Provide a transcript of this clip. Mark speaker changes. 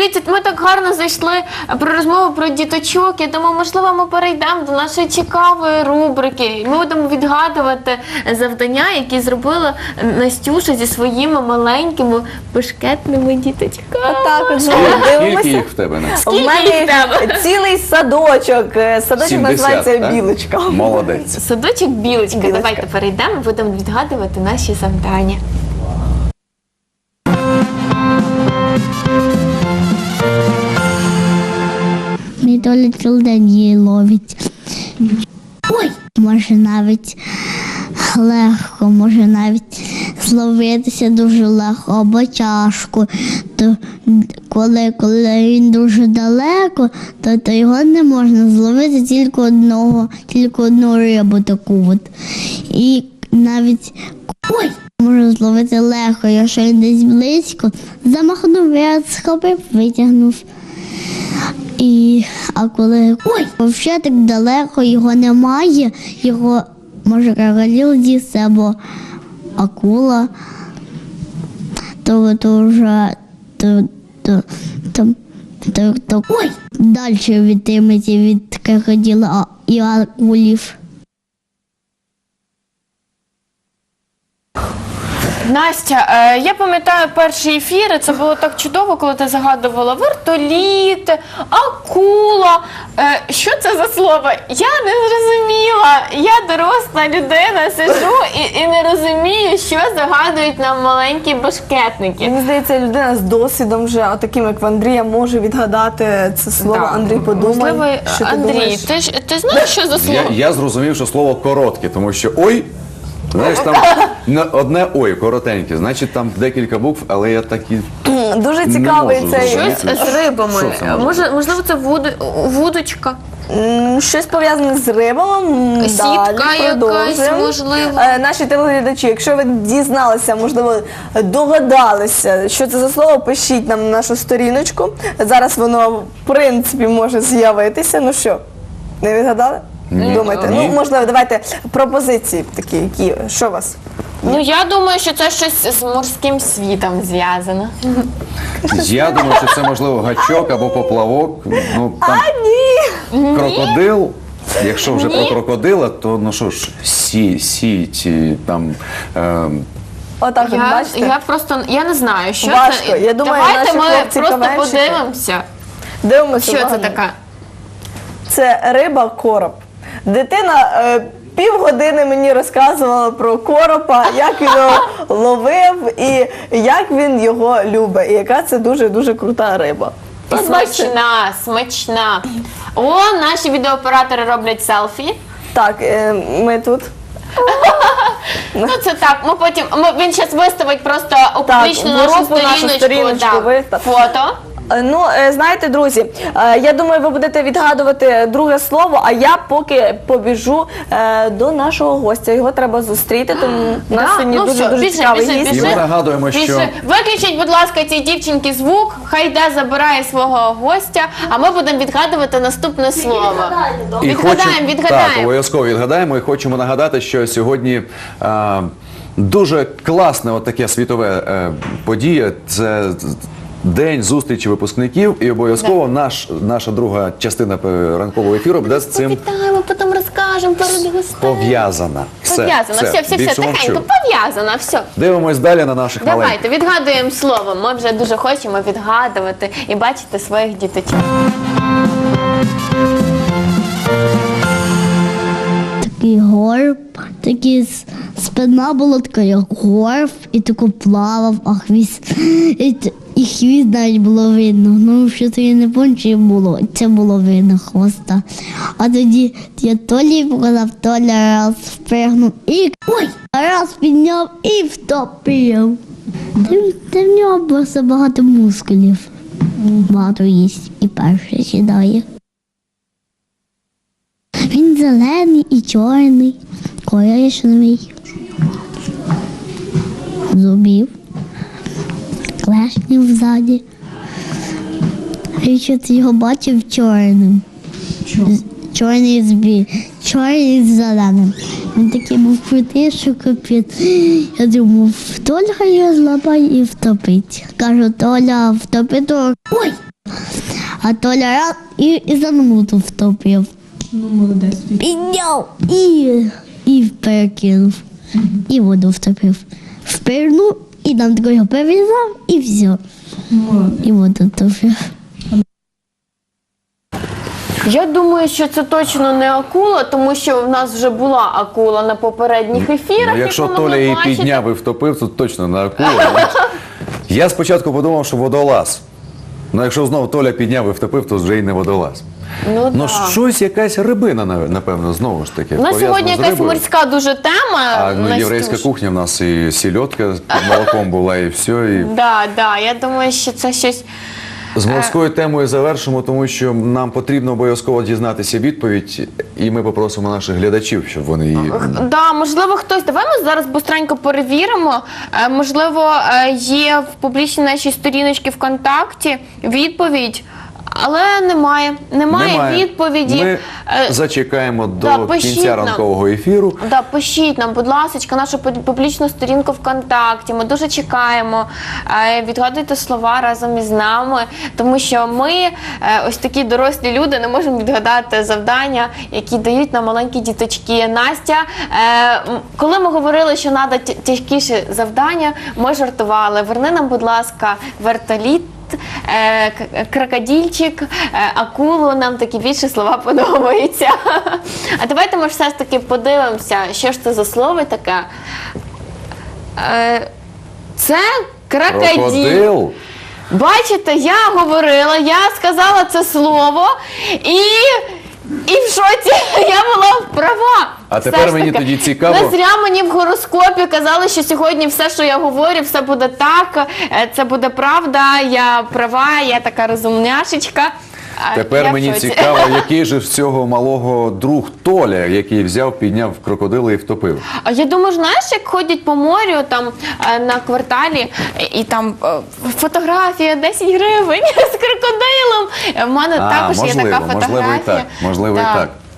Speaker 1: дивіться, ми так гарно зайшли про розмову про діточок. Я думаю, можливо, ми перейдемо до нашої цікавої рубрики. Ми будемо відгадувати завдання, які зробила Настюша зі своїми маленькими бешкетними діточками.
Speaker 2: Так, от
Speaker 3: Скільки
Speaker 2: дивимося.
Speaker 3: їх в тебе, Настя?
Speaker 2: У мене цілий садочок. Садочок
Speaker 3: 70,
Speaker 2: називається
Speaker 3: так?
Speaker 2: Білочка.
Speaker 3: Молодець.
Speaker 1: Садочок Білочка.
Speaker 2: Білочка.
Speaker 1: Давайте перейдемо, будемо відгадувати наші завдання.
Speaker 4: Мій Толя цілий день її ловить. Ой! Може навіть легко, може навіть зловитися дуже легко або тяжко. То коли він дуже далеко, то його не можна зловити тільки одну рибу таку от. І навіть можна зловити легко, якщо він десь близько, замахнув, я схопив, витягнув. А коли взагалі так далеко його немає, його може крокодил з'їсти або акула, то вже далі відтримається від крокодила і акулів.
Speaker 1: Настя, я пам'ятаю перші ефіри, це було так чудово, коли ти загадувала вертоліт, акула. Що це за слово? Я не зрозуміла. Я доросла людина, сиджу і не розумію, що загадують нам маленькі башкетники.
Speaker 2: Мені здається, людина з досвідом вже, а таким як в Андрія, може відгадати це слово.
Speaker 1: Так.
Speaker 2: Андрій, подумай,
Speaker 1: Можливо,
Speaker 2: що ти
Speaker 1: Андрій,
Speaker 2: думаєш.
Speaker 1: ти знаєш, що за слово?
Speaker 3: Я зрозумів, що слово коротке, тому що ой, знаєш, там одне ой, коротеньке, значить там декілька букв, але я такі
Speaker 2: Дуже
Speaker 3: не
Speaker 2: цікавий
Speaker 3: можу
Speaker 2: цей
Speaker 3: зрозуміти.
Speaker 1: Щось з рибами.
Speaker 3: Що це може бути?
Speaker 1: Можливо, це вудочка.
Speaker 2: щось пов'язане з рибами.
Speaker 1: Сітка
Speaker 2: Далі
Speaker 1: якась,
Speaker 2: продовжуємо.
Speaker 1: можливо.
Speaker 2: Наші телеглядачі, якщо ви дізналися, можливо, догадалися, що це за слово, пишіть нам на нашу сторіночку. Зараз воно, в принципі, може з'явитися. Ну що, не відгадали?
Speaker 3: Ні.
Speaker 2: Думайте.
Speaker 3: Ні.
Speaker 2: Ну, можливо, давайте пропозиції такі, які, що у вас?
Speaker 1: Ну, я думаю, що це щось з морським світом зв'язано.
Speaker 3: Я думаю, що це можливо гачок або поплавок. Ну там
Speaker 2: Ні!
Speaker 3: крокодил. Якщо вже про крокодила, то ну що ж, сіть, там.
Speaker 2: Отак, от, бачите?
Speaker 1: Я просто, я не знаю, що
Speaker 2: Важко.
Speaker 1: це.
Speaker 2: Я думаю,
Speaker 1: давайте
Speaker 2: наші
Speaker 1: ми просто
Speaker 2: хлопці-каменщики.
Speaker 1: подивимося,
Speaker 2: Дивимося.
Speaker 1: що це
Speaker 2: уважно.
Speaker 1: таке.
Speaker 2: Це риба-короб. Дитина півгодини мені розказувала про коропа, як він його ловив і як він його любить. І яка це дуже-дуже крута риба.
Speaker 1: І
Speaker 2: От бачите?
Speaker 1: смачна, смачна. О, наші відеооператори роблять селфі.
Speaker 2: Так, ми тут.
Speaker 1: Ну це так, ми потім, він зараз виставить просто у
Speaker 2: Так,
Speaker 1: публічну
Speaker 2: в
Speaker 1: нашу
Speaker 2: групу нашу
Speaker 1: сторіночку,
Speaker 2: сторіночку
Speaker 1: да,
Speaker 2: вистав.
Speaker 1: фото.
Speaker 2: Ну, знаєте, друзі, я думаю, ви будете відгадувати друге слово, а я поки побіжу до нашого гостя. Його треба зустріти, тому у нас
Speaker 1: Да,
Speaker 2: сьогодні
Speaker 1: ну все,
Speaker 2: дуже
Speaker 1: біжи,
Speaker 2: цікавий
Speaker 1: біжи,
Speaker 2: гість.
Speaker 3: І
Speaker 1: біжи.
Speaker 3: ми нагадуємо, що
Speaker 1: Більше. Виключіть, будь ласка, цій дівчинки звук, хай йде забирає свого гостя, а ми будемо відгадувати наступне слово. Відгадаємо,
Speaker 3: Так, обов'язково відгадаємо і хочемо нагадати, що сьогодні дуже класне таке світове подія. Це день зустрічі випускників, і обов'язково наша друга частина ранкового ефіру буде з цим
Speaker 1: Вітаємо, потім розкажемо перед гостей.
Speaker 3: пов'язана.
Speaker 1: Пов'язано, все,
Speaker 3: більше мовчу.
Speaker 1: тихенько, пов'язано, все.
Speaker 3: Дивимось далі на наших маленьких.
Speaker 1: Давайте, відгадуємо слово. Ми вже дуже хочемо відгадувати і бачити своїх діточок.
Speaker 4: Такий горб, спина була така, як горб, і тако плавав, а хвіст, і хвіст навіть було видно. Ну, що то я не пам'ятаю, чи було, це було видно хвоста. А тоді я Толі показав, Толя раз впригнув і раз підняв і втопив. Та в нього просто багато мускулів. Багато їсть і перший сідає. Він зелений і чорний, коричневий, зубів, клешнів ззаді. Я щось його бачив чорним. Чорний чорний з зеленим. Він такий був крутий, що капець. Я думав, Толя його злапає і втопить. Кажу, Толя, втопи то. А Толя раз і за минуту втопив.
Speaker 5: Ну, молодець.
Speaker 4: Підняв і перекинув. І воду втопив. Впирнув, і там такого перев'язав, і все.
Speaker 5: Молодець.
Speaker 4: І воду втопив.
Speaker 1: Я думаю, що це точно не акула, тому що в нас вже була акула на попередніх ефірах.
Speaker 3: Ну, якщо
Speaker 1: як ви
Speaker 3: Толя
Speaker 1: могли
Speaker 3: її
Speaker 1: бачити.
Speaker 3: підняв і втопив, то точно не акула. Я спочатку подумав, що водолаз. Ну, якщо знову Толя підняв і втопив, то вже й не водолаз.
Speaker 1: Ну,
Speaker 3: Ну,
Speaker 1: да.
Speaker 3: щось, якась рибина, напевно, знову ж таки.
Speaker 1: У нас
Speaker 3: пов'язана
Speaker 1: сьогодні
Speaker 3: з
Speaker 1: якась
Speaker 3: рибою.
Speaker 1: морська дуже тема.
Speaker 3: А ну,
Speaker 1: Настюш.
Speaker 3: єврейська кухня в нас і сільотка з молоком була, і все. І
Speaker 1: Да, я думаю, що це щось.
Speaker 3: з морською темою завершимо, тому що нам потрібно обов'язково дізнатися відповідь, і ми попросимо наших глядачів, щоб вони її...
Speaker 1: Да, можливо, хтось. Давай ми зараз быстренько перевіримо. Можливо, є в публічній нашій сторіночці ВКонтакті відповідь, але немає відповіді.
Speaker 3: Ми зачекаємо
Speaker 1: да,
Speaker 3: до
Speaker 1: пишіть
Speaker 3: кінця
Speaker 1: нам.
Speaker 3: ранкового ефіру.
Speaker 1: Да, пишіть нам, будь ласка, нашу публічну сторінку ВКонтакті. Ми дуже чекаємо. Відгадуйте слова разом із нами, тому що ми, ось такі дорослі люди, не можемо відгадати завдання, які дають нам маленькі діточки. Настя, коли ми говорили, що треба тяжкіше завдання, ми жартували. Верни нам, будь ласка, вертоліт. Крокодильчик, акулу, нам такі більше слова подобаються. А давайте ми все ж таки подивимося, що ж це за слово таке. Це крокодиль.
Speaker 3: Крокодил.
Speaker 1: Бачите, я говорила, я сказала це слово і в шоці я була права.
Speaker 3: А
Speaker 1: Все
Speaker 3: тепер
Speaker 1: ж
Speaker 3: мені
Speaker 1: таки.
Speaker 3: тоді цікаво.
Speaker 1: Не зря мені в гороскопі казали, що сьогодні все, що я говорю, все буде так, це буде правда, я права, я така розумняшечка.
Speaker 3: Тепер
Speaker 1: Я в
Speaker 3: мені
Speaker 1: шоці.
Speaker 3: цікаво, який же з цього малого друг Толя, який взяв, підняв крокодила і втопив.
Speaker 1: А я думаю, знаєш, як ходять по морю там на кварталі, і там фотографія 10 гривень з крокодилом. У мене також є така фотографія.
Speaker 3: Можливо і так.